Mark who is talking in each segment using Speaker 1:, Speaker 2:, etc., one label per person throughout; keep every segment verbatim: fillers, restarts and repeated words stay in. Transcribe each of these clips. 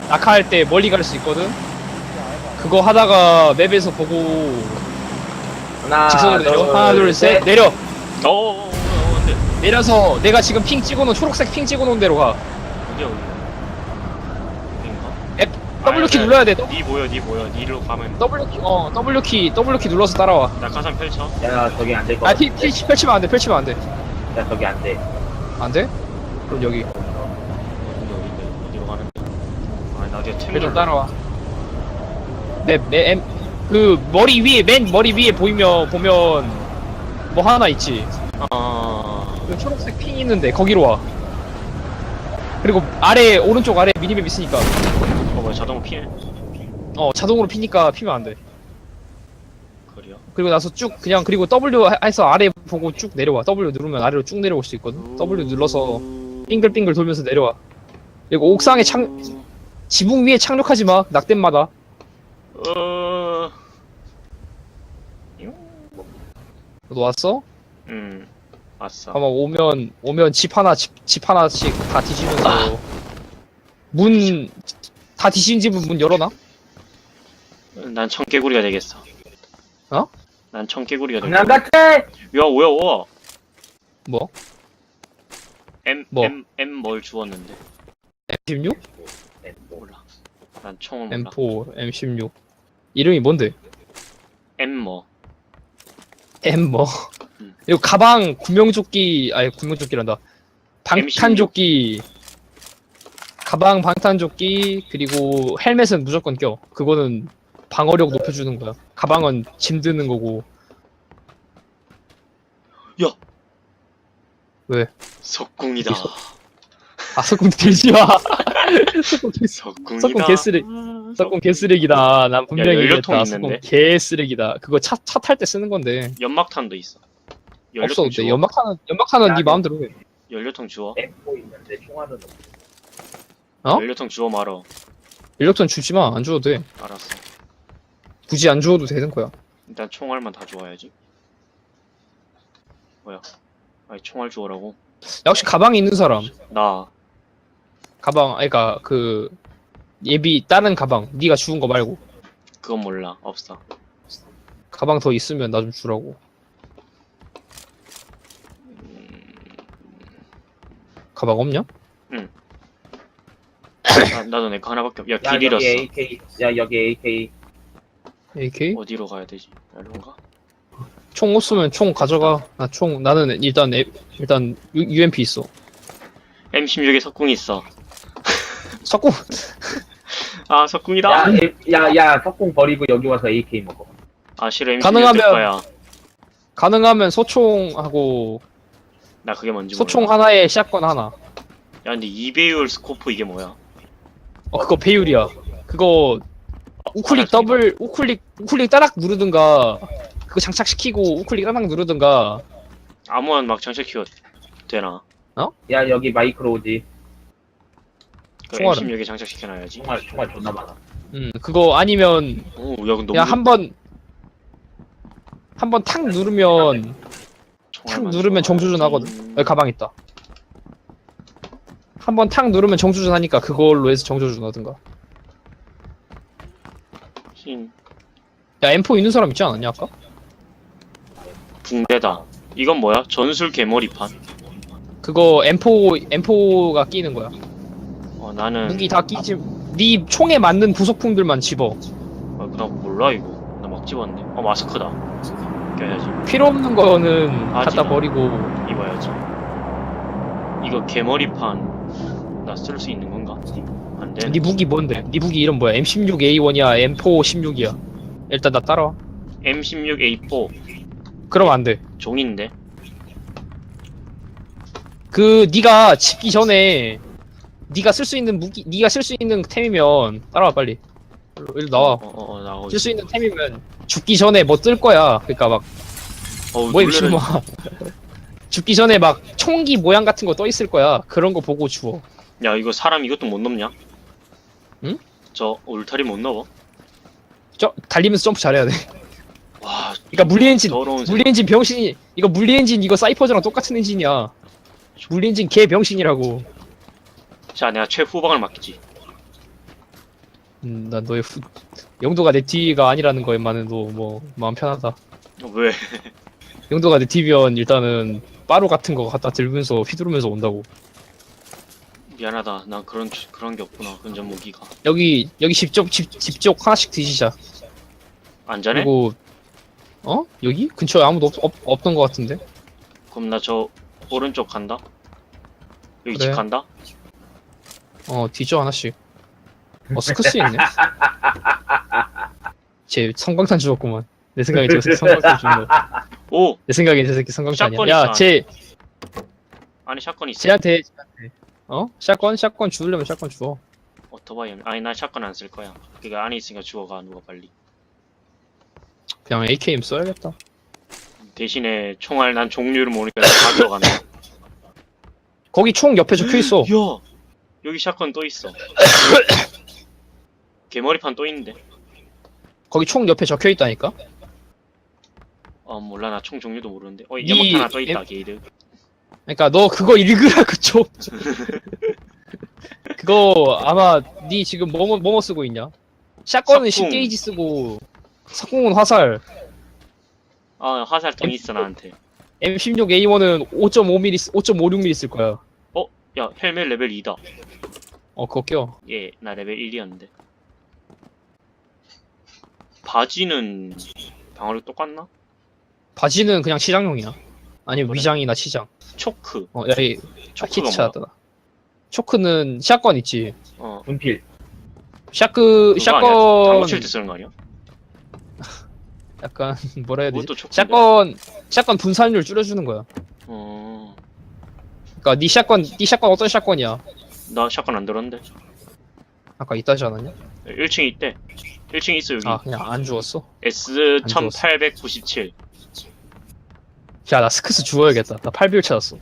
Speaker 1: 낙하할 때 멀리 갈 수 있거든. 그거 하다가 맵에서 보고
Speaker 2: 하나,
Speaker 1: 직선으로 내려. 하나 둘 셋 내려.
Speaker 3: 어어어어 근데
Speaker 1: 내려서 내가 지금 핑 찍어놓은 초록색 핑 찍어놓은 데로 가.
Speaker 3: 어디야 어디? 여긴가?
Speaker 1: F W 키 눌러야 돼.
Speaker 3: 니 보여 니 보여 니로 가면
Speaker 1: W 키 어 W 키 W 키 눌러서 따라와.
Speaker 3: 낙하산 펼쳐.
Speaker 2: 야, 저기 안 될 거
Speaker 1: 아
Speaker 2: 같아.
Speaker 1: 피, 피 펼치면 안 돼. 펼치면 안 돼.
Speaker 2: 야, 저기 안 돼.
Speaker 1: 안 돼? 그럼 여기
Speaker 3: 어디 어딘데 어디로 가는데? 아나 뒤에 템
Speaker 1: 좀 따라와. 맵맵그 머리 위에 맨 머리 위에 보이면 보면 뭐 하나 있지.
Speaker 3: 아
Speaker 1: 그 초록색 핑 있는데 거기로 와. 그리고 아래 오른쪽 아래 미니맵 있으니까
Speaker 3: 어 뭐야 자동으로 피네.
Speaker 1: 어 자동으로 피니까 피면 안 돼.
Speaker 3: 그래요?
Speaker 1: 그리고 나서 쭉 그냥 그리고 W 해서 아래 보고 쭉 내려와. W 누르면 아래로 쭉 내려올 수 있거든. W 눌러서 빙글빙글 돌면서 내려와. 그리고 옥상에 착 지붕 위에 착륙하지 마. 낙댐마다.
Speaker 3: 어.
Speaker 1: 너 왔어?
Speaker 3: 음 왔어.
Speaker 1: 아마 오면 오면 집 하나 집, 집 하나씩 다 뒤지면서 문 다 뒤진 집은 문 열어놔?
Speaker 3: 난 청개구리가 되겠어.
Speaker 1: 어?
Speaker 3: 난 청개구리가
Speaker 2: 장난
Speaker 3: 되겠어.
Speaker 2: 같아!
Speaker 3: 야 뭐야 뭐?
Speaker 1: 뭐?
Speaker 3: M
Speaker 1: 뭐?
Speaker 3: M M 뭘 주웠는데?
Speaker 1: 엠 십육?
Speaker 3: 몰라. 난 총을 몰라.
Speaker 1: 엠 사, 엠 십육 이름이 뭔데?
Speaker 3: M 뭐?
Speaker 1: M 뭐?
Speaker 3: 음.
Speaker 1: 그리고 가방 구명조끼 아니 구명조끼란다. 방탄조끼 가방 방탄조끼 그리고 헬멧은 무조건 껴. 그거는 방어력 높여주는 거야. 가방은 짐 드는 거고.
Speaker 3: 야.
Speaker 1: 왜?
Speaker 3: 석궁이다.
Speaker 1: 아 석궁 들지 마. 석궁 들지
Speaker 3: 석궁이다.
Speaker 1: 석궁 개쓰레기. 석궁 개쓰레기다. 난 분명히
Speaker 3: 연료통
Speaker 1: 얘기했다. 석궁
Speaker 3: 있는데?
Speaker 1: 개쓰레기다. 그거 차 차 탈 때 쓰는 건데.
Speaker 3: 연막탄도 있어.
Speaker 1: 없어도
Speaker 3: 연료통
Speaker 1: 돼.
Speaker 3: 주워.
Speaker 1: 연막탄은 연막탄은
Speaker 2: 야,
Speaker 1: 네
Speaker 2: 야.
Speaker 1: 마음대로 해.
Speaker 3: 연료통 주워.
Speaker 2: 엠 사 있는데 총알은 없어.
Speaker 1: 어?
Speaker 3: 연료통 주워 말어.
Speaker 1: 연료탄 주지 마. 안 줘도 돼.
Speaker 3: 알았어.
Speaker 1: 굳이 안 줘도 되는 거야.
Speaker 3: 일단 총알만 다 주워야지. 뭐야? 아니 총알 주워라고?
Speaker 1: 야, 혹시 가방이 있는 사람?
Speaker 3: 나
Speaker 1: 가방, 그러니까 그 예비 다른 가방, 네가 주운 거 말고
Speaker 3: 그건 몰라. 없어.
Speaker 1: 가방 더 있으면 나 좀 주라고. 가방 없냐?
Speaker 3: 나, 나도 내 거 하나밖에 없. 야,
Speaker 2: 야,
Speaker 3: 길 잃었어.
Speaker 2: 여기 에이케이. 야, 여기 에이케이.
Speaker 1: 에이케이?
Speaker 3: 어디로 가야 되지? 여기론가?
Speaker 1: 총 없으면 총 가져가. 나 총 나는 일단 에, 일단 유, 유엠피 있어.
Speaker 3: 엠 십육에 석궁 있어.
Speaker 1: 석궁.
Speaker 3: 아, 석궁이다.
Speaker 2: 야, 에, 야, 야, 석궁 버리고 여기 와서 에이케이 먹어.
Speaker 3: 아, 싫어. 엠 십육
Speaker 1: 가능하면-
Speaker 3: 될 거야.
Speaker 1: 가능하면 소총하고
Speaker 3: 나 그게 뭔지
Speaker 1: 소총
Speaker 3: 몰라.
Speaker 1: 하나에 샷건 하나.
Speaker 3: 야, 근데 이 배율 스코프 이게 뭐야?
Speaker 1: 어 그거 배율이야. 그거 우클릭 더블 우클릭 우클릭 따락 누르든가 그거 장착시키고 우클릭 따락 누르든가.
Speaker 3: 아무나 막 장착키워 되나?
Speaker 2: 야, 여기 마이크로오지.
Speaker 3: 그
Speaker 1: 총알은?
Speaker 3: 엠 십육에 장착시켜놔야지.
Speaker 2: 총알, 총알 존나 많아.
Speaker 1: 음 그거 아니면
Speaker 3: 오, 야, 근데
Speaker 1: 그냥
Speaker 3: 너무
Speaker 1: 한번 한 번 탁 누르면 탁
Speaker 3: 총알만
Speaker 1: 누르면 정조준
Speaker 3: 주워야지.
Speaker 1: 하거든. 여기 가방 있다. 한 번 탁 누르면 정조준 하니까 그걸로 해서 정조준 하든가.
Speaker 3: 흰
Speaker 1: 야 엠 사 있는 사람 있지 않았냐 아까?
Speaker 3: 붕대다. 이건 뭐야? 전술 개머리판.
Speaker 1: 그거 엠 사 엠 사가 끼는 거야.
Speaker 3: 어, 나는
Speaker 1: 무기 다 끼지. 네 총에 맞는 부속품들만 집어.
Speaker 3: 아, 나 몰라 이거. 나 막 집었네. 어, 마스크다. 껴야지.
Speaker 1: 필요 없는 거는
Speaker 3: 하지
Speaker 1: 갖다
Speaker 3: 마.
Speaker 1: 버리고.
Speaker 3: 입어야지. 이거 개머리판 나 쓸 수 있는 건가? 안 돼.
Speaker 1: 네 무기 뭔데? 네 무기 이름 뭐야? 엠 십육 에이 원이야? 엠 사 십육이야? 일단 나 따라와.
Speaker 3: 엠 십육 에이 사
Speaker 1: 그럼 안 돼.
Speaker 3: 종인데.
Speaker 1: 그 네가 집기 전에 네가 쓸 수 있는 무기, 네가 쓸 수 있는 템이면 따라와 빨리. 일로, 일로 나와.
Speaker 3: 어, 어, 어, 나오고
Speaker 1: 쓸 수 있는 템이면 죽기 전에 뭐 뜰 거야. 그러니까 막
Speaker 3: 어,
Speaker 1: 뭐야
Speaker 3: 놀래라.
Speaker 1: 미친놈아. 죽기 전에 막 총기 모양 같은 거 떠 있을 거야. 그런 거 보고 주워.
Speaker 3: 야, 이거 사람 이것도 못 넘냐?
Speaker 1: 응?
Speaker 3: 저 울타리 못 넘어?
Speaker 1: 저 달리면서 점프 잘해야 돼.
Speaker 3: 와,
Speaker 1: 그러니까 물리 엔진,
Speaker 3: 더러운
Speaker 1: 물리 엔진 병신이 이거 물리 엔진 이거 사이퍼즈랑 똑같은 엔진이야. 물리 엔진 개 병신이라고.
Speaker 3: 자, 내가 최후방을 맡기지.
Speaker 1: 음, 난 너의 후, 영도가 내 뒤가 아니라는 거에만해도 뭐 마음 편하다.
Speaker 3: 어, 왜?
Speaker 1: 영도가 내 뒤면 일단은 빠루 같은 거 갖다 들면서 휘두르면서 온다고.
Speaker 3: 미안하다. 난 그런 그런 게 없구나. 근접 무기가.
Speaker 1: 여기 여기 집쪽 집 집쪽 하나씩 드시자.
Speaker 3: 안전해?
Speaker 1: 그리고 어 여기 근처에 아무도 없, 없 없던 것 같은데.
Speaker 3: 그럼 나 저 오른쪽 간다. 여기
Speaker 1: 그래.
Speaker 3: 집 간다.
Speaker 1: 어 뒤져 하나씩. 어 스커스 있네. 쟤 성광탄 주었구만. 내 생각에 저 새끼 성광탄 준 거.
Speaker 3: 오,
Speaker 1: 내 생각에 저 새끼 성광탄
Speaker 3: 샷건
Speaker 1: 아니야.
Speaker 3: 있잖아.
Speaker 1: 야쟤
Speaker 3: 안에 샷건 있어.
Speaker 1: 쟤한테 쟤한테 어 샷건 샷건 주려면 샷건 주어.
Speaker 3: 오토바이. 아니 나 샷건 안 쓸 거야. 그니까 안에 있으니까 죽어가 누가 빨리.
Speaker 1: 그냥 에이케이엠 써야겠다.
Speaker 3: 대신에 총알 난 종류를 모르니까 가져가네.
Speaker 1: 거기 총 옆에 적혀 있어.
Speaker 3: 야, 여기 샷건 또 있어. 개머리판 또 있는데.
Speaker 1: 거기 총 옆에 적혀 있다니까.
Speaker 3: 어 몰라 나 총 종류도 모르는데. 어
Speaker 1: 니-
Speaker 3: 연막 하나 또 있다
Speaker 1: 엠-
Speaker 3: 게이드.
Speaker 1: 그러니까 너 그거 읽으라고 좀. 그거 아마 니 지금 뭐뭐 뭐뭐 쓰고 있냐? 샷건은
Speaker 3: 석궁.
Speaker 1: 십 게이지 쓰고 석궁은 화살.
Speaker 3: 아 화살통 있어 나한테.
Speaker 1: 엠 십육 에이원은 오 점 오 밀리미터, 오 점 오육 밀리미터 쓸 거야.
Speaker 3: 야 헬멧 레벨 이다.
Speaker 1: 어 그거 껴.
Speaker 3: 예, 나 레벨 일이었는데. 바지는 방어력 똑같나?
Speaker 1: 바지는 그냥 치장용이야. 아니면
Speaker 3: 그래?
Speaker 1: 위장이나 치장.
Speaker 3: 초크.
Speaker 1: 어, 야, 이
Speaker 3: 초크가
Speaker 1: 키트
Speaker 3: 뭐야?
Speaker 1: 찾았다. 초크는 샷건 있지.
Speaker 3: 어.
Speaker 2: 분필.
Speaker 1: 샷그
Speaker 3: 그거 아니야?
Speaker 1: 샷건
Speaker 3: 당구 칠 때 쓰는 거 아니야?
Speaker 1: 약간 뭐라 해야 되지?
Speaker 3: 그것도 초크인데.
Speaker 1: 샷건 샷건 분산율 줄여주는 거야.
Speaker 3: 어.
Speaker 1: 그러니까 니 샷건 니 샷건 어떤 샷건이야?
Speaker 3: 나 샷건 안 들었는데.
Speaker 1: 아까 있다지 않았냐?
Speaker 3: 일 층에 있대. 일 층에 있어 여기.
Speaker 1: 아 그냥 안 주웠어?
Speaker 3: 에스
Speaker 1: 안 주웠어.
Speaker 3: 천팔백구십칠.
Speaker 1: 야 나 스크스 주워야겠다. 나 팔 비율 찾았어.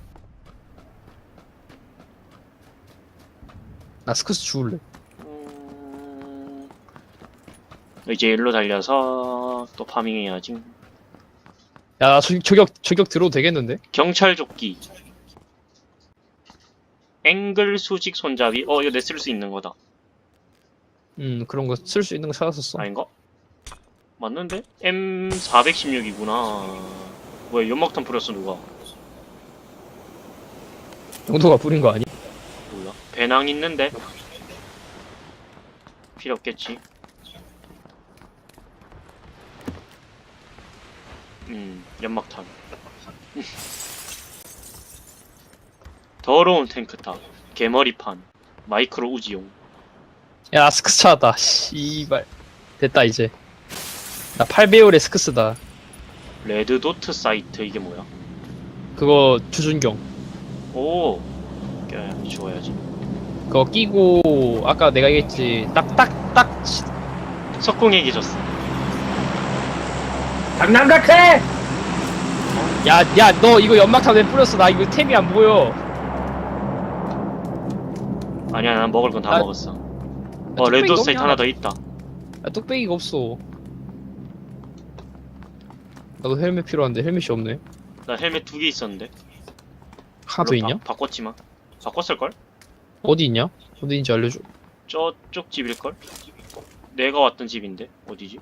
Speaker 1: 나 스크스 주울래.
Speaker 3: 음... 이제 일로 달려서 또 파밍해야지.
Speaker 1: 야 나 저격 저격 들어도 되겠는데?
Speaker 3: 경찰 조끼. 앵글 수직 손잡이. 어 이거 내 쓸 수 있는 거다.
Speaker 1: 음 그런 거 쓸 수 있는 거 찾았었어.
Speaker 3: 아닌가? 맞는데? 엠 사백십육이구나. 뭐야 연막탄 뿌렸어 누가?
Speaker 1: 영도가 뿌린 거 아니?
Speaker 3: 몰라. 배낭 있는데? 필요 없겠지. 음, 연막탄. 더러운 탱크탑. 개머리판. 마이크로 우지용.
Speaker 1: 야 스크스 찾았다. 씨발 됐다 이제. 나 팔 배율의 스크스다.
Speaker 3: 레드도트 사이트 이게 뭐야?
Speaker 1: 그거 주준경.
Speaker 3: 오, 껴야 주워야지.
Speaker 1: 그거 끼고 아까 내가 얘기했지. 딱딱딱
Speaker 3: 석궁에게 줬어.
Speaker 2: 장난 같아!
Speaker 1: 야, 야, 너 이거 연막탄 왜 뿌렸어? 나 이거 템이 안 보여.
Speaker 3: 아니야, 난 먹을 건 다
Speaker 1: 나-
Speaker 3: 먹었어.
Speaker 1: 나
Speaker 3: 어,
Speaker 1: 뚝배기
Speaker 3: 레드도트
Speaker 1: 너무
Speaker 3: 사이트
Speaker 1: 많아.
Speaker 3: 하나 더 있다.
Speaker 1: 야, 뚝배기가 없어. 나도 헬멧 필요한데 헬멧이 없네.
Speaker 3: 나 헬멧 두 개 있었는데.
Speaker 1: 하나 더
Speaker 3: 물론
Speaker 1: 있냐?
Speaker 3: 바, 바꿨지만. 바꿨을걸?
Speaker 1: 어디 있냐? 어디 있는지 알려줘.
Speaker 3: 저쪽 집일걸? 내가 왔던 집인데 어디지?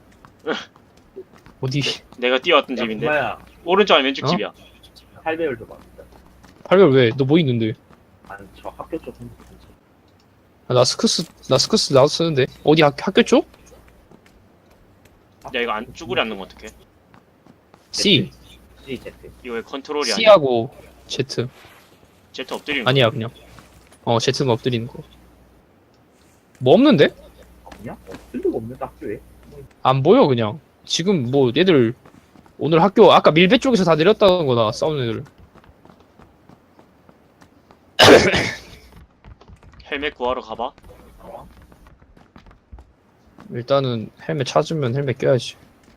Speaker 1: 어디?
Speaker 3: 내가 뛰어왔던
Speaker 2: 야,
Speaker 3: 집인데
Speaker 2: 구마야.
Speaker 3: 오른쪽 아니 왼쪽
Speaker 1: 어?
Speaker 3: 집이야.
Speaker 2: 팔 배율 줘봐.
Speaker 1: 팔별 왜? 너 뭐 있는데?
Speaker 2: 아니, 저 학교 쪽 핸드폰.
Speaker 1: 아, 나 스크스, 나 스크스 나도 쓰는데. 어디 학, 학교 쪽?
Speaker 3: 야 이거 안 쭈그리 앉는 거 어떡해?
Speaker 1: C.
Speaker 2: C, Z.
Speaker 3: 이거 왜 컨트롤이 아니야?
Speaker 1: C하고 Z.
Speaker 3: Z 엎드리는 거.
Speaker 1: 아니야, 그냥. 어, Z는 엎드리는 거. 뭐 없는데?
Speaker 2: 없냐? 없을 리가 없는데, 학교에.
Speaker 1: 안 보여, 그냥. 지금 뭐, 얘들, 오늘 학교, 아까 밀배 쪽에서 다 내렸다는 거다, 싸우는 애들.
Speaker 3: 헬멧 구하러 가봐.
Speaker 2: 어?
Speaker 1: 일단은 헬멧 찾으면 헬멧 껴야지.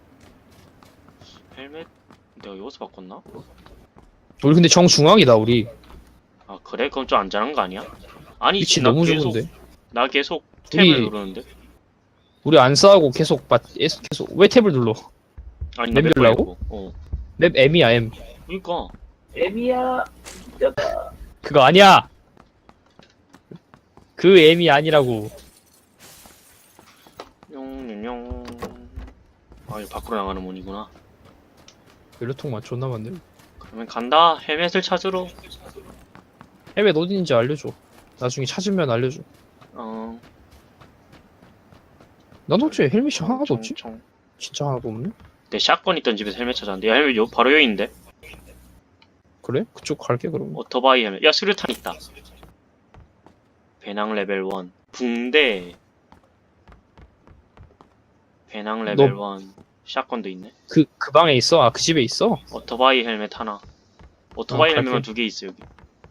Speaker 3: 헬멧 내가 여기서 바꿨나?
Speaker 1: 우리 근데 정중앙이다, 우리.
Speaker 3: 아 그래? 그럼 좀 안전한 거 아니야? 아니
Speaker 1: 위치
Speaker 3: 나
Speaker 1: 너무
Speaker 3: 계속,
Speaker 1: 좋은데.
Speaker 3: 나 계속
Speaker 1: 우리-
Speaker 3: 탭을 누르는데?
Speaker 1: 우리 안 싸우고 계속, 맞, 계속, 계속, 왜 탭을 눌러?
Speaker 3: 아니
Speaker 1: 맵
Speaker 3: 맵
Speaker 1: 누르라고?
Speaker 3: 보이고. 어
Speaker 1: 맵 M이야, M.
Speaker 3: 그니까
Speaker 2: 애미야. 진짜다.
Speaker 1: 그거 아니야! 그 M이 아니라고.
Speaker 3: 아 이거 밖으로 나가는 문이구나.
Speaker 1: 연료통만 존나 많네.
Speaker 3: 그러면 간다. 헬멧을 찾으러.
Speaker 1: 헬멧 어딘지 알려줘. 나중에 찾으면 알려줘.
Speaker 3: 어.
Speaker 1: 난 어째 헬멧이 하나도
Speaker 3: 총,
Speaker 1: 없지?
Speaker 3: 총.
Speaker 1: 진짜 하나도 없네?
Speaker 3: 내 샷건 있던 집에서 헬멧 찾았는데 야 헬멧 요 바로 여기인데.
Speaker 1: 그래? 그쪽 갈게 그럼.
Speaker 3: 오토바이 헬멧. 야 수류탄 있다. 배낭 레벨 일. 붕대. 배낭 레벨 일. 샷건도 있네.
Speaker 1: 그, 그 방에 있어? 아, 그 집에 있어?
Speaker 3: 오토바이 헬멧 하나. 오토바이
Speaker 1: 어,
Speaker 3: 헬멧만
Speaker 1: 갈게.
Speaker 3: 두 개 있어 여기.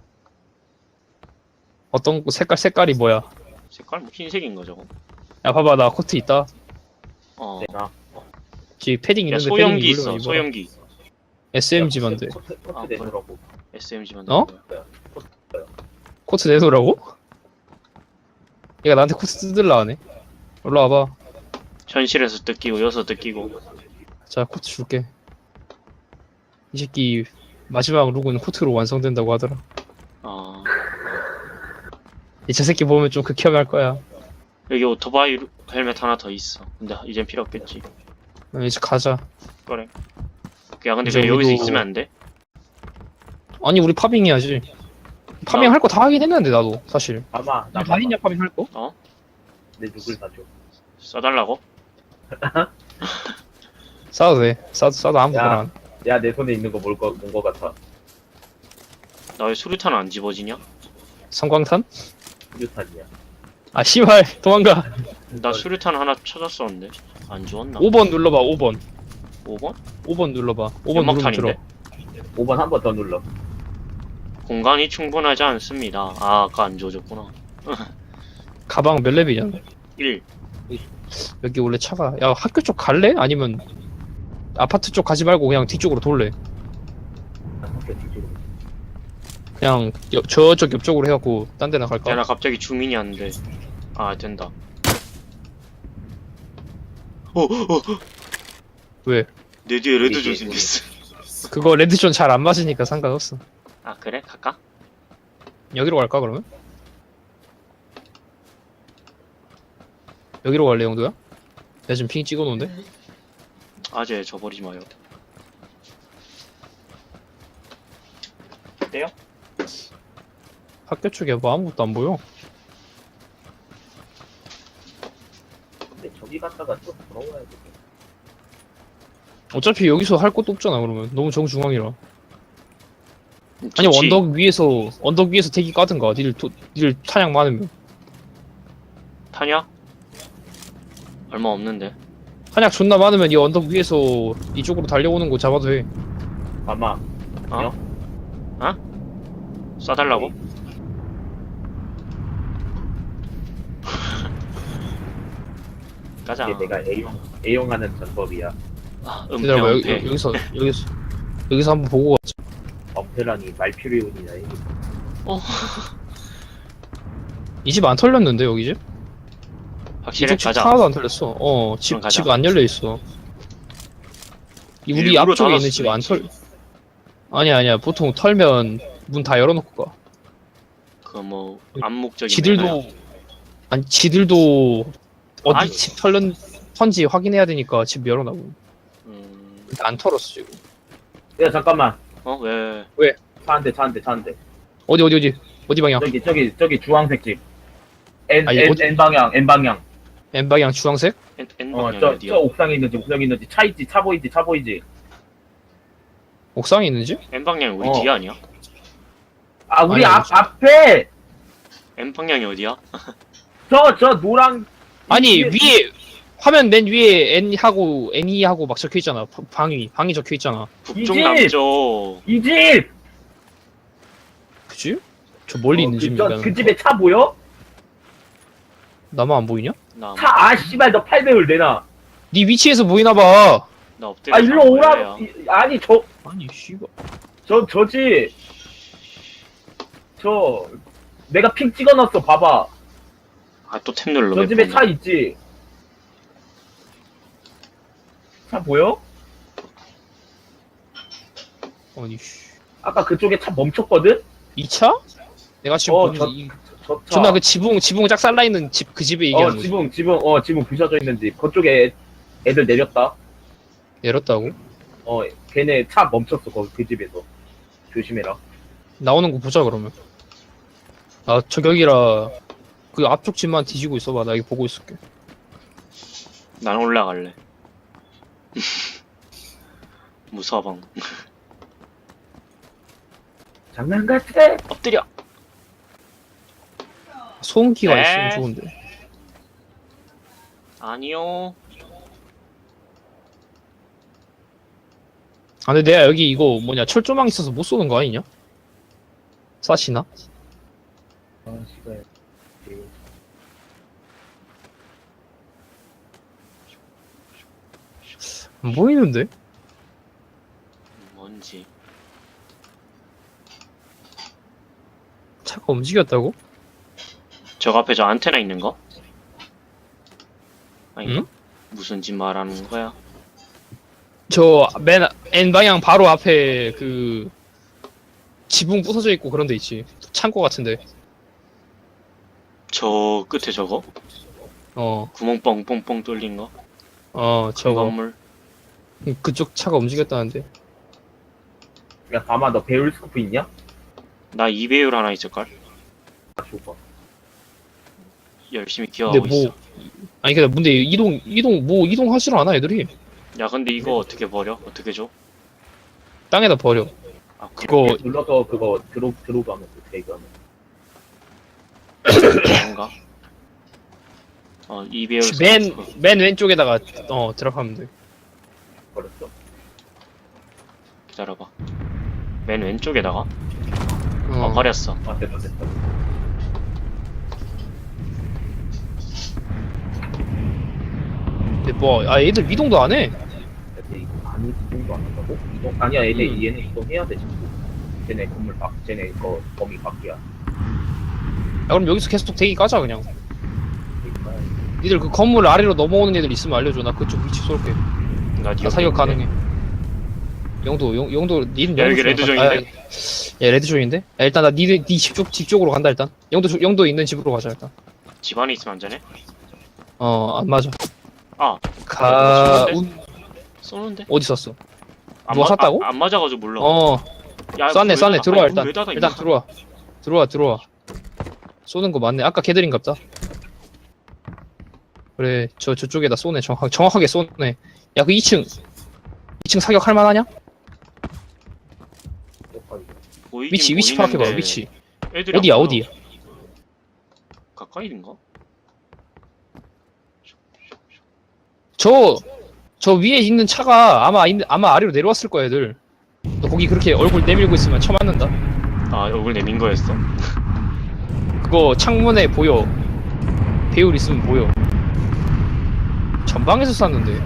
Speaker 1: 어떤 거- 색깔, 색깔이 뭐야?
Speaker 3: 색깔 뭐 흰색인 거 저거.
Speaker 1: 야, 봐봐, 나 코트 있다.
Speaker 3: 어.
Speaker 2: 내가
Speaker 1: 지금 패딩
Speaker 3: 야
Speaker 1: 있는데
Speaker 3: 소염기
Speaker 1: 패딩
Speaker 3: 있어.
Speaker 1: 입으려면 입어라.
Speaker 3: 소염기.
Speaker 1: 에스엠지만 돼.
Speaker 2: 코트, 코트
Speaker 3: 아,
Speaker 2: 내놓으라고.
Speaker 3: 에스엠지만.
Speaker 1: 어? 코트 내놓으라고? 얘가 나한테 코트 뜯으려 하네. 올라와봐.
Speaker 3: 현실에서 뜯기고 여기서 뜯기고.
Speaker 1: 자, 코트 줄게. 이 새끼 마지막 룩은 코트로 완성된다고 하더라.
Speaker 3: 어.
Speaker 1: 이 저 새끼 보면 좀 극혐할 거야.
Speaker 3: 여기 오토바이 헬멧 하나 더 있어. 근데 이젠 필요 없겠지.
Speaker 1: 어, 이제 가자.
Speaker 3: 그래. 야 근데
Speaker 1: 이제
Speaker 3: 왜 여기서
Speaker 1: 우리도-
Speaker 3: 있으면 안 돼?
Speaker 1: 아니, 우리 파밍 해야지. 파밍
Speaker 3: 나-
Speaker 1: 할 거 다 하긴 했는데, 나도, 사실.
Speaker 2: 아마 나
Speaker 1: 다 했냐, 파밍 할 거?
Speaker 2: 내 누굴 사줘.
Speaker 3: 써달라고?
Speaker 1: 싸도 돼. 싸도, 싸도 아무거나.
Speaker 2: 야.
Speaker 1: 안.
Speaker 2: 야 내 손에 있는 거 뭘 거 뭔 거 같아.
Speaker 3: 나 왜 수류탄 안 집어지냐?
Speaker 1: 성광탄?
Speaker 2: 유탄이야.
Speaker 1: 아, 씨발, 도망가.
Speaker 3: 나 수류탄 하나 찾았었는데 안 주웠나?
Speaker 1: 오 번 눌러봐, 오 번.
Speaker 3: 오 번?
Speaker 1: 오 번 눌러봐. 오 번 누르면 들어.
Speaker 3: 연막탄인데?
Speaker 2: 오 번 한 번 더 눌러.
Speaker 3: 공간이 충분하지 않습니다. 아 아까 안 주워줬구나.
Speaker 1: 가방 몇 렙이냐?
Speaker 3: 일.
Speaker 1: 여기 원래 차가. 야, 학교 쪽 갈래? 아니면 아파트 쪽 가지 말고 그냥 뒤쪽으로 돌래?
Speaker 2: 학교 뒤쪽으로.
Speaker 1: 그냥 옆- 저쪽 옆쪽으로 해갖고 딴 데나 갈까?
Speaker 3: 야 나 갑자기 주민이 왔는데. 아 된다. 어, 어, 어.
Speaker 1: 왜?
Speaker 3: 내 뒤에 레드
Speaker 2: 이게-
Speaker 3: 존 생겼어.
Speaker 1: 그거 레드존 잘 안 맞으니까 상관없어.
Speaker 3: 아 그래? 갈까?
Speaker 1: 여기로 갈까 그러면? 여기로 갈래 영도야? 내가 지금 핑 찍어놓은데?
Speaker 3: 아재 저버리지 마요. 어때요?
Speaker 1: 학교 쪽에 뭐 아무것도 안 보여.
Speaker 2: 근데 저기 갔다가 또 돌아와야 돼.
Speaker 1: 어차피 여기서 할 것도 없잖아 그러면. 너무 정중앙이라. 아니
Speaker 3: 좋지.
Speaker 1: 언덕 위에서 언덕 위에서 대기 까든가. 니들 도, 니들 탄약 많으면.
Speaker 3: 타냐? 얼마 없는데.
Speaker 1: 탄약 존나 많으면 이 언덕 위에서 이쪽으로 달려오는 거 잡아도 돼.
Speaker 2: 아마
Speaker 3: 어? 어? 쏴달라고? 가자.
Speaker 2: 이게 내가 A용 A용하는 전법이야.
Speaker 3: 아, 은폐
Speaker 1: 기다려봐 여기,
Speaker 3: 은폐.
Speaker 1: 여기서 여기서 여기서 한번 보고 가자.
Speaker 2: 엄폐라니 말퓨리온이야 이게.
Speaker 3: 어.
Speaker 1: 이 집 안 털렸는데 여기 집?
Speaker 3: 확실해?
Speaker 1: 이쪽 집
Speaker 3: 가자.
Speaker 1: 하나도 안 털렸어. 어,
Speaker 3: 그럼
Speaker 1: 집,
Speaker 3: 가자.
Speaker 1: 집 안 열려 있어. 이 우리
Speaker 3: 일부러
Speaker 1: 앞쪽에 있는
Speaker 3: 닫았을
Speaker 1: 집 안
Speaker 3: 수도
Speaker 1: 털. 아니야 아니야. 보통 털면 문 다 열어놓고 가.
Speaker 3: 그뭐 암묵적인
Speaker 1: 지들도
Speaker 3: 매너야.
Speaker 1: 아니 지들도 어디
Speaker 3: 아니.
Speaker 1: 집 털렸 턴지 확인해야 되니까 집 열어놔고.
Speaker 3: 음...
Speaker 1: 근데 안 털었어 지금.
Speaker 2: 야 잠깐만.
Speaker 3: 어? 왜?
Speaker 2: 차 한 대, 차 한 대, 차 한 대.
Speaker 1: 어디 어디 어디 어디 방향?
Speaker 2: 저기 저기 저기 주황색 집. N
Speaker 1: 아니,
Speaker 2: N,
Speaker 1: 어디-
Speaker 2: N 방향, N 방향.
Speaker 1: N 방향 주황색?
Speaker 3: N, N
Speaker 2: 어,
Speaker 3: 방향이
Speaker 2: 저,
Speaker 3: 어디야?
Speaker 2: 저 옥상에 있는 집, 옥상에 있는 집. 차 있지, 차 보이지, 차 보이지.
Speaker 1: 옥상에 있는 집?
Speaker 3: N 방향이 우리
Speaker 2: 어.
Speaker 3: 뒤에 아니야?
Speaker 2: 아, 우리
Speaker 1: 아니,
Speaker 2: 앞 앞에
Speaker 3: N 방향이 어디야?
Speaker 2: 저 저 노랑.
Speaker 1: 아니
Speaker 2: 위에-
Speaker 1: 위에 화면 맨 위에 N 하고 N E 하고 막 적혀 있잖아. 바- 방위 방위 적혀 있잖아.
Speaker 3: 북쪽
Speaker 2: 집!
Speaker 3: 남쪽.
Speaker 2: 이 집.
Speaker 1: 그지? 저 멀리
Speaker 2: 어,
Speaker 1: 있는
Speaker 2: 그,
Speaker 1: 집인가?
Speaker 2: 저, 그 집에 차 보여?
Speaker 1: 나만 안 보이냐?
Speaker 3: 나,
Speaker 2: 차, 아, 씨발, 너 팔 배율 내놔.
Speaker 1: 네 위치에서 보이나 봐.
Speaker 3: 나 엎드려.
Speaker 2: 아, 일로 오라. 이- 아니, 저,
Speaker 1: 아니 씨발.
Speaker 2: 저, 저지. 저, 내가 핑 찍어놨어, 봐봐.
Speaker 3: 아또 탭 눌러.
Speaker 2: 저
Speaker 3: 몇
Speaker 2: 집에
Speaker 3: 번이야.
Speaker 2: 차 있지. 차 보여?
Speaker 1: 아니 씨.
Speaker 2: 아까 그쪽에 차 멈췄거든?
Speaker 1: 이 차? 내가 지금
Speaker 2: 어,
Speaker 1: 보는
Speaker 2: 저-
Speaker 1: 이
Speaker 2: 저 차.
Speaker 1: 존나 그 지붕 지붕 짝살라 있는 집 그 집에
Speaker 2: 어,
Speaker 1: 얘기하는 거지.
Speaker 2: 지붕, 지붕, 어, 지붕 부셔져 있는 집. 그쪽에 애, 애들 내렸다.
Speaker 1: 내렸다고?
Speaker 2: 어, 걔네 차 멈췄어, 거기 그 집에서. 조심해라.
Speaker 1: 나오는 거 보자 그러면. 아 저격이라 그 앞쪽 집만 뒤지고 있어봐. 나 여기 보고 있을게.
Speaker 3: 난 올라갈래. 무서워 방.
Speaker 2: 장난 같아!
Speaker 3: 엎드려.
Speaker 1: 소음기가
Speaker 3: 에?
Speaker 1: 있으면 좋은데.
Speaker 3: 아니요.
Speaker 1: 아 근데 내가 여기 이거 뭐냐 철조망 있어서 못 쏘는 거 아니냐? 사시나?
Speaker 2: 아, 씨발.
Speaker 1: 안 보이는데?
Speaker 3: 뭔지.
Speaker 1: 차가 움직였다고?
Speaker 3: 저 앞에 저 안테나 있는 거? 아니
Speaker 1: 응?
Speaker 3: 무슨 집 말하는 거야?
Speaker 1: 저 맨 N 방향 바로 앞에 그 지붕 부서져 있고 그런 데 있지. 창고 같은데.
Speaker 3: 저 끝에 저거?
Speaker 1: 어,
Speaker 3: 구멍 뻥뻥뻥 뚫린 거?
Speaker 1: 어,
Speaker 3: 저
Speaker 1: 저거.
Speaker 3: 건물?
Speaker 1: 그쪽 차가 움직였다는데.
Speaker 2: 야, 가마, 너 배울 스코프 있냐?
Speaker 3: 나 이 배율 하나 있을걸?
Speaker 2: 아, 줘봐.
Speaker 3: 열심히
Speaker 1: 근데
Speaker 3: 기어가고
Speaker 1: 뭐,
Speaker 3: 있어.
Speaker 1: 아니 근데 문제 이동 이동 뭐 이동하지를 않아 애들이.
Speaker 3: 야 근데 이거 어떻게 버려? 어떻게 줘?
Speaker 1: 땅에다 버려.
Speaker 3: 아
Speaker 1: 그거
Speaker 2: 이렇게 눌러서 그거 드롭, 드롭 하면 돼, 테이크 하면.
Speaker 3: 그런가? 어 이 배율
Speaker 1: 맨 맨 왼쪽에다가 어 드랍하면 돼.
Speaker 2: 버렸어.
Speaker 3: 기다려봐. 맨 왼쪽에다가?
Speaker 1: 어,
Speaker 3: 어 버렸어.
Speaker 2: 아, 됐다, 됐다.
Speaker 1: 근데 뭐아 애들 이동도 안 해.
Speaker 2: 근데 이거 아니, 이동도 안 한다고? 이동, 아니야, 얘네,
Speaker 1: 음.
Speaker 2: 얘네 이동해야 돼, 지금. 쟤네 건물 밖, 쟤네 거 범위 밖이야.
Speaker 1: 야 그럼 여기서 계속 대기 까자 그냥.
Speaker 2: 그러니까
Speaker 1: 니들 그 건물 아래로 넘어오는 애들 있으면 알려줘. 나 그쪽 위치 쏠게.
Speaker 3: 나
Speaker 1: 나 사격 가능해. 영도 영, 영도 니는
Speaker 3: 야,
Speaker 1: 영도
Speaker 3: 여기
Speaker 1: 쪽으로
Speaker 3: 레드존인데?
Speaker 1: 가- 아, 야 레드존인데? 야, 일단 나 니들 니집 쪽, 집 쪽으로 간다 일단. 영도 쪽- 영도 있는 집으로 가자 일단.
Speaker 3: 집 안에 있으면 안 되네?
Speaker 1: 어 안 맞아.
Speaker 3: 아
Speaker 1: 가
Speaker 3: 쏘는데?
Speaker 1: 운...
Speaker 3: 쏘는데?
Speaker 1: 어디 썼어?
Speaker 3: 안
Speaker 1: 누가
Speaker 3: 마-
Speaker 1: 쐈다고?
Speaker 3: 아, 안 맞아가지고 몰라.
Speaker 1: 어
Speaker 3: 야,
Speaker 1: 쐈네
Speaker 3: 문
Speaker 1: 쐈네
Speaker 3: 왜-
Speaker 1: 들어와
Speaker 3: 아니,
Speaker 1: 일단
Speaker 3: 문 왜 닫아,
Speaker 1: 일단
Speaker 3: 임마.
Speaker 1: 들어와 들어와 들어와. 쏘는 거 맞네. 아까 걔들인갑다. 그래 저 저쪽에다 쏘네. 정확 정확하게 쏘네. 야 그 이 층 이 층 사격 할 만하냐?
Speaker 3: 보이긴
Speaker 1: 위치 위치 파악해봐
Speaker 3: 보이는데
Speaker 1: 위치.
Speaker 3: 애들이
Speaker 1: 어디야
Speaker 3: 안 보여.
Speaker 1: 어디?
Speaker 3: 가까이인가?
Speaker 1: 저, 저 위에 있는 차가 아마, 있- 아마 아래로 내려왔을 거야, 애들. 너 거기 그렇게 얼굴 내밀고 있으면 쳐 맞는다.
Speaker 3: 아 얼굴 내민 거였어?
Speaker 1: 그거 창문에 보여. 배율 있으면 보여. 전방에서 쐈는데.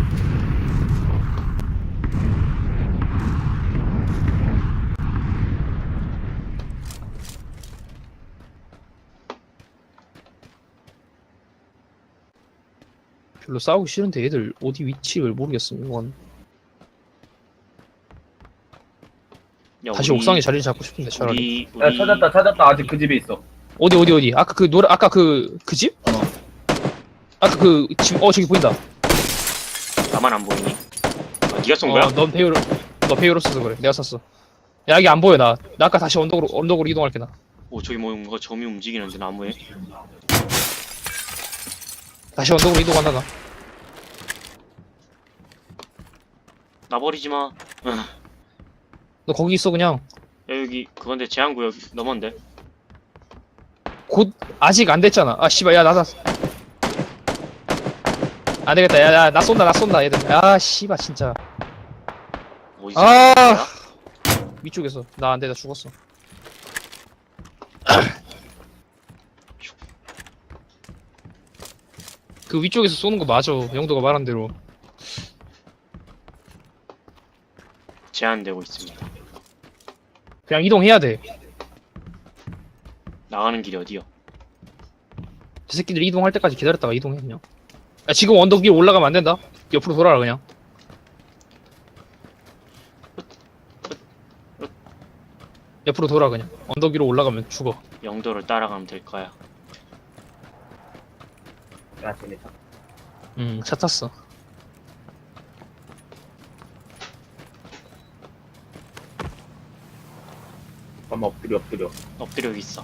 Speaker 1: 별로 싸우기 싫은데 애들 어디 위치를 모르겠어, 이건.
Speaker 3: 야,
Speaker 1: 다시
Speaker 3: 우리-
Speaker 1: 옥상에 자리를 잡고 싶은데, 차라리.
Speaker 3: 우리
Speaker 2: 야,
Speaker 3: 우리
Speaker 2: 찾았다, 찾았다. 아직 그 집에 있어.
Speaker 1: 어디, 어디, 어디? 아까 그 노래, 아까 그, 그 집?
Speaker 2: 어.
Speaker 1: 아까 그, 집, 어, 저기 보인다.
Speaker 3: 나만 안 보이니? 아, 네가 쏜 거야?
Speaker 1: 어, 넌 배율, 너 배율 없어서 그래. 내가 쐈어. 야, 여기 안 보여, 나. 나 아까 다시 언덕으로, 언덕으로 이동할게, 나.
Speaker 3: 오 저기 뭐 뭔가 점이 움직이는데 나무에?
Speaker 1: 다시 언덕으로 이동한다, 나.
Speaker 3: 나 버리지 마. 응.
Speaker 1: 너 거기 있어, 그냥.
Speaker 3: 야 여기 그건데 제한구역 넘었는데?
Speaker 1: 곧, 아직 안 됐잖아. 아, 씨발, 야, 나, 나. 안 되겠다. 야, 야, 나 쏜다, 나 쏜다, 얘들. 야, 씨발, 진짜.
Speaker 3: 어디서
Speaker 1: 아!
Speaker 3: 쏜 거야?
Speaker 1: 위쪽에서. 나 안 돼, 나 죽었어. 그 위쪽에서 쏘는 거 맞아. 영도가 말한 대로.
Speaker 3: 제한되고 있습니다.
Speaker 1: 그냥 이동해야 돼.
Speaker 3: 나가는 길이 어디요?
Speaker 1: 저 새끼들 이동할 때까지 기다렸다가 이동해, 그냥. 야, 지금 언덕 위에 올라가면 안 된다. 옆으로 돌아라, 그냥. 옆으로 돌아, 그냥. 언덕 위로 올라가면 죽어.
Speaker 3: 영도를 따라가면 될 거야.
Speaker 2: 야, 쟤네 차.
Speaker 1: 응, 차 탔어.
Speaker 2: 아마 엎드려 엎드려.
Speaker 3: 엎드려 있어.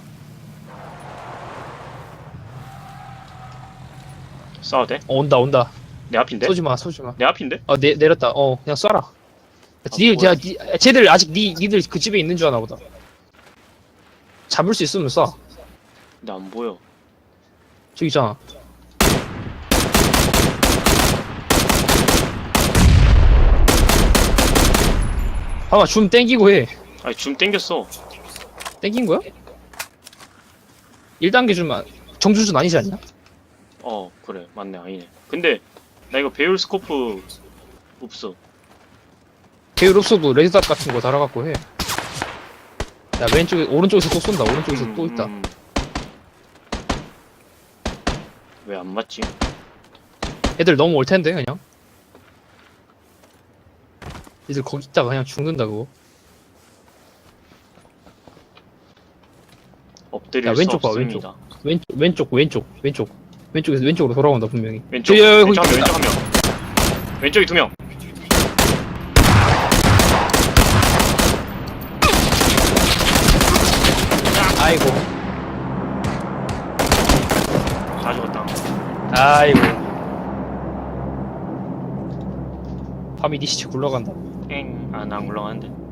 Speaker 3: 쏴도 돼?
Speaker 1: 어, 온다 온다.
Speaker 3: 내 앞인데?
Speaker 1: 쏘지 마 쏘지 마.
Speaker 3: 내 앞인데?
Speaker 1: 어 내, 내렸다. 어 그냥 쏴라. 니,
Speaker 3: 뭐야.
Speaker 1: 야, 니, 쟤들 아직 니, 니들 그 집에 있는 줄 아나 보다. 잡을 수 있으면 쏴.
Speaker 3: 나 안 보여.
Speaker 1: 저기 있잖아. 봐봐 줌 땡기고 해.
Speaker 3: 아니 줌 땡겼어.
Speaker 1: 땡긴 거야? 일 단계 줌 정주준 아니지 않냐?
Speaker 3: 어 그래 맞네 아니네. 근데 나 이거 배율 스코프 없어.
Speaker 1: 배율 없어도 레드닷 같은 거 달아갖고 해. 야 왼쪽에 오른쪽에서 또 쏜다. 오른쪽에서
Speaker 3: 음,
Speaker 1: 또 있다.
Speaker 3: 음. 왜 안 맞지?
Speaker 1: 애들 너무 올 텐데 그냥. 애들 거기 있다가 그냥 죽는다 그거.
Speaker 3: 엎드릴
Speaker 1: 야,
Speaker 3: 수
Speaker 1: 왼쪽 봐,
Speaker 3: 없습니다.
Speaker 1: 왼쪽 왼쪽 왼쪽 왼쪽 왼쪽에서 왼쪽으로 돌아온다 분명히.
Speaker 3: 왼쪽
Speaker 1: 저기, 여기,
Speaker 3: 왼쪽 한
Speaker 1: 거기
Speaker 3: 명,
Speaker 1: 있다.
Speaker 3: 왼쪽 한 명. 왼쪽이 두 명.
Speaker 1: 아이고
Speaker 3: 다 죽었다.
Speaker 1: 아이고. 밤이 니 시체 굴러간다.
Speaker 3: 엥. 아 나 안 굴러가는데.